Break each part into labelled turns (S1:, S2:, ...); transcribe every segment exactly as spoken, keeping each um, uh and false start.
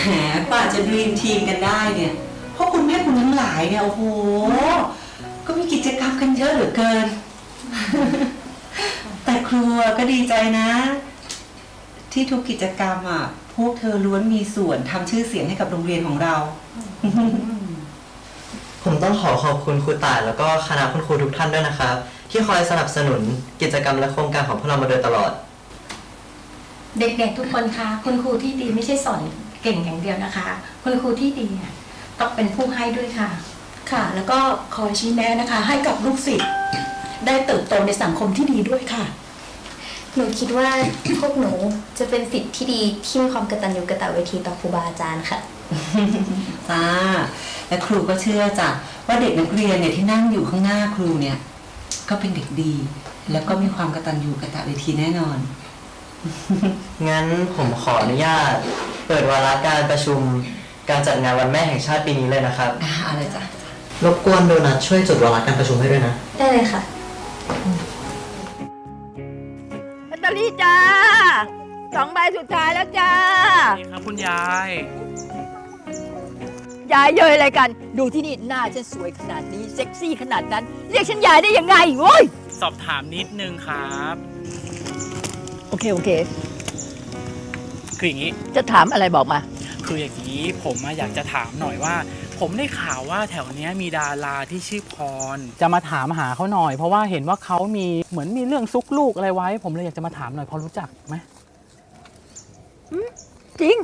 S1: กว่าจะดีมทีมกันได้เนี่ยเพราะคุณแม่คุณทั้งหลายเนี่ยโอ้โหก็มีกิจกรรมกันเยอะเหลือเกิน แต่ครูก็ดีใจนะ ที่ทุกกิจกรรมอ่ะพวกเธอล้วนมีส่วนทำชื่อเสียงให้กับโรงเรียนของเรา
S2: ผมต้องขอขอบคุณครูต่ายแล้วก็คณะคุณครูทุกท่านด้วยนะครับที่คอยสนับสนุนกิจกรรมและโครงการของพวกเรามาโดยตลอด
S3: เด็กๆทุกคนคะคุณครูที่ดีไม่ใช่สอนเก่งอย่างเดียวนะคะคุณครูที่ดีเนี่ยต้องเป็นผู้ให้ด้วยค่ะ
S4: ค่ะแล้วก็คอยชี้แนะนะคะให้กับลูกศิษย์ได้เติบโตในสังคมที่ดีด้วยค่ะ
S5: หนูคิดว่าพวกหนูจะเป็นศิษย์ที่ดีที่มีความกตัญญูกตเวทีต่อครูบาอาจารย์ค่ะ
S1: จ้าและครูก็เชื่อจ้ะว่าเด็กนักเรียนเนี่ยที่นั่งอยู่ข้างหน้าครูเนี่ยก็เป็นเด็กดีแล้วก็มีความกตัญญูกตเวทีแน่นอน
S2: งั้นผมขออนุญาตเปิดวาระการประชุมการจัดงานวันแม่แห่งชาติปีนี้เลยนะครับ
S1: อ่าอะไรจ้ะ
S2: รบกวนโดนัทช่วยจดวาระการประชุมให้ด้วยนะ
S5: ได้เลยค่ะ
S6: ลอตเตอรี่จ้าสองใบสุดท้ายแล้วจ้า
S7: นี่ครับคุณยาย
S6: ยายเย้ยอะไรกันดูที่นี่หน้าฉันสวยขนาดนี้เซ็กซี่ขนาดนั้นเรียกฉันยายได้ยังไงโว้ย
S7: สอบถามนิดนึงครับ
S6: โอเคโอเค
S7: คืออย่างนี้
S6: จะถามอะไรบอกมา
S7: คืออย่างนี้ผมอยากจะถามหน่อยว่าผมได้ข่าวว่าแถวนี้มีดาราที่ชื่อพรจะมาถามหาเขาหน่อยเพราะว่าเห็นว่าเขามีเหมือนมีเรื่องซุกลูกอะไรไว้ผมเลยอยากจะมาถามหน่อยพอรู้จักไหม
S6: จริง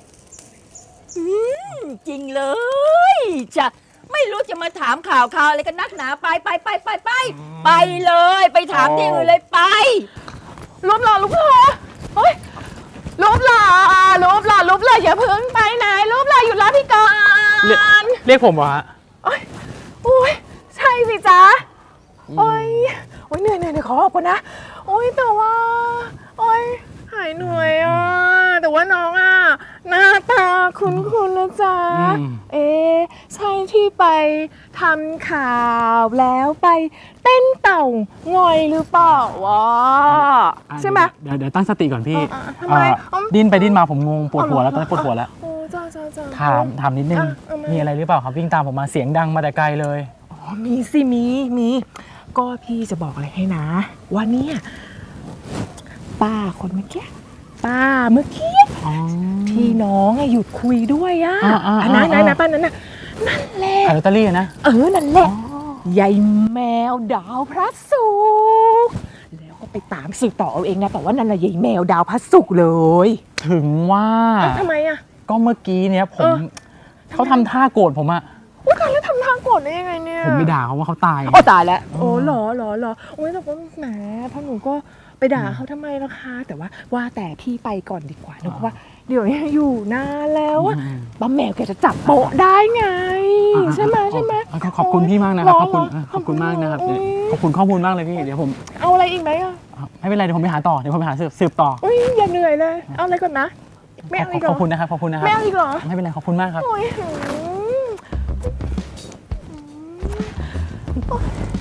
S6: จริงเลยจะไม่รู้จะมาถามข่าวข่าวอะไรกันนักหนาไปไปไปไปไปไปเลยไปถามที่อื่นเลยไป
S8: รูปหล่อรูปหล่อเฮ้ยรูปหล่อรูปหล่อรูปหล่ออย่าเพิ่งไปไหนรูปหล่ออยู่รับพี่ก่อน
S7: เรียกผมวะ
S8: โอ้ยโอ้ยใช่สิจ๊ะโอ้ยโอ้ยเหนื่อยเหนื่อยขอออกก่อนนะโอ้ยแต่ว่าโอ้ยหายเหนื่อยอ่ะแต่ว่าน้องอ่ะหน้าตาคุ้นๆนะจ๊ะเอ๊ะใช่ที่ไปทำข่าวแล้วไปเต้นเต่างอยหรือเปล่าวะใช่ไหม
S7: เดี๋ยวเดี๋ยวตั้งสติก่อนพี่
S8: ทำไม
S7: ดิ้นไปดิ้นมาผมงงปวดหัวแล้วตอนนี้ปวดหัวแล้ว
S8: โอ้จ้าจ้าจ้า
S7: ถามถามนิดนึงมีอะไรหรือเปล่าครับวิ่งตามผมมาเสียงดังมาแต่ไกลเลย
S8: อ๋อมีสิมีมีก็พี่จะบอกอะไรให้นะว่าเนี่ยป้าคนเมื่อกี้ป้าเมื่อกี้ที่น้องหยุดคุยด้วยอ่ะอันนั้นนะนะป้านั้นน่ะนั่นแหละ
S7: ขายลอตเตอรี่นะ
S8: เออนั่นแหละยายแมวดาวพระศุกร์แล้วก็ไปตามสืบต่อเอาเองนะแต่ว่านั่นแหละยายแมวดาวพระศุกร์เลย
S7: ถึงว่า
S8: ทำไมอ่ะ
S7: ก็เมื่อกี้เนี้ยผมเขาทำท่าโกรธผมอะ
S8: ว่าการแล้วทำท่าโกรธได้ยังไงเนี่ย
S7: ผมไปด่าเขาว่าเขาตาย
S8: โอ้ตายแล้วโอ้หรอหรอหรอโอ้ยแต่ก็แหมพ่อหนูก็ไปด่าเขาทำไมล่ะคะแต่ว่าว่าแต่พี่ไปก่อนดีกว่านะเพราะว่าเดี๋ยวนี้อยู่นานแล้วป้าแมวแกจะจับโป๊ะได้ไงใช่ไหมใช่ไหม
S7: ขอบคุณพี่มากนะครับขอบคุณขอบคุณมากนะครับขอบคุณข้อมูลมากเลยพี่เดี๋ยวผม
S8: เอาอะไรอีกไหมอ่ะ
S7: ไม่เป็นไรเดี๋ยวผมไปหาต่อเดี๋ยวผมไปหาสืบต่อ
S8: อุ้ยอย่าเหนื่อยเลยเอาอะไรก่อนนะไม่เอาอีกหรอ
S7: ขอบคุณนะครับขอบคุณนะครับ
S8: ไม่เอาอีกหรอ
S7: ไม่เป็นไรขอบคุณมากครับ